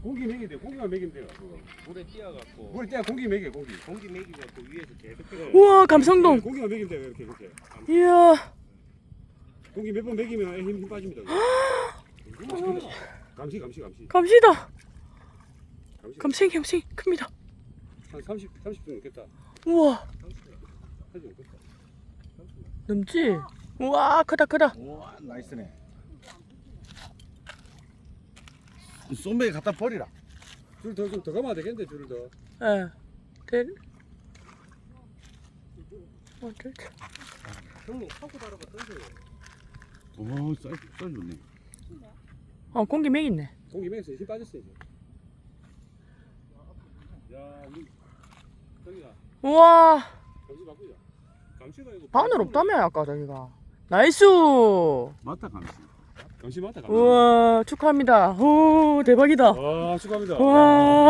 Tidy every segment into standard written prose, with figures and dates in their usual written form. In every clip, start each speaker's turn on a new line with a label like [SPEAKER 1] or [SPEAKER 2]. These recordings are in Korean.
[SPEAKER 1] 고기 먹이면 돼. 고기만 먹이면 돼요.
[SPEAKER 2] 물에 띄어갖고
[SPEAKER 1] 물에 떼야 고기 먹여 고기.
[SPEAKER 2] 공기 먹이고 또 위에서 계속
[SPEAKER 3] 우와 감성동.
[SPEAKER 1] 고기만 먹이면 돼요. 이렇게.
[SPEAKER 3] 이야.
[SPEAKER 1] 고기 몇 번 먹이면 힘 빠집니다. 감시.
[SPEAKER 3] 감시다. 감생 큽니다.
[SPEAKER 1] 한 30분 넘겠다.
[SPEAKER 3] 우와. 넘지? 우와 크다.
[SPEAKER 4] 우와 나이스네. 쏨배기 갖다 버리라.
[SPEAKER 1] 줄 좀 더 감아야 되겠는데 줄을 더.
[SPEAKER 3] 예. 될.
[SPEAKER 2] 형님 하고 다르고 던져요.
[SPEAKER 4] 오 사이즈 좋네.
[SPEAKER 3] 공기 맥 있네.
[SPEAKER 1] 고기 먹였어. 힘 빠졌어 이제. 야 우리 저기가
[SPEAKER 3] 우와.
[SPEAKER 1] 감시 바꾸자. 감시가 이거.
[SPEAKER 3] 바늘 없다며 아까 저기가. 나이스.
[SPEAKER 4] 맞다 감시.
[SPEAKER 1] 감시 맞다. 감시.
[SPEAKER 3] 우와 축하합니다. 오 대박이다.
[SPEAKER 1] 아 축하합니다.
[SPEAKER 3] 와.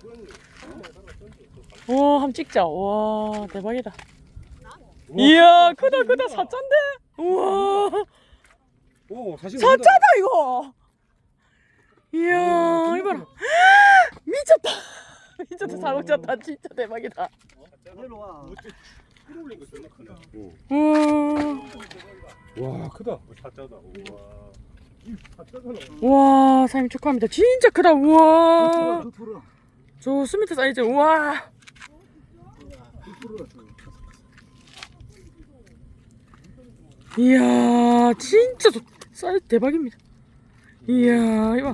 [SPEAKER 3] 와 한번 찍자. 와 대박이다. 이야 크다 사짠데. 우와
[SPEAKER 1] 오 사실.
[SPEAKER 3] 사짜다 이거. 이야 이봐라. 미쳤다 사고 쳤다. 진짜 대박이다.
[SPEAKER 2] 끌어올린 거 존나 크네.
[SPEAKER 1] 와 크다.
[SPEAKER 2] 사자다. 우와.
[SPEAKER 3] 와 사장님 축하합니다. 진짜 크다. 우와 좋습니다 사이즈. 우와 이야 진짜 사이즈 대박입니다. 이야 이봐.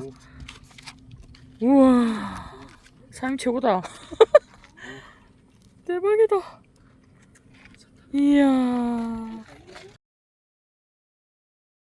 [SPEAKER 3] 우와 사장님 최고다. 대박이다. 이야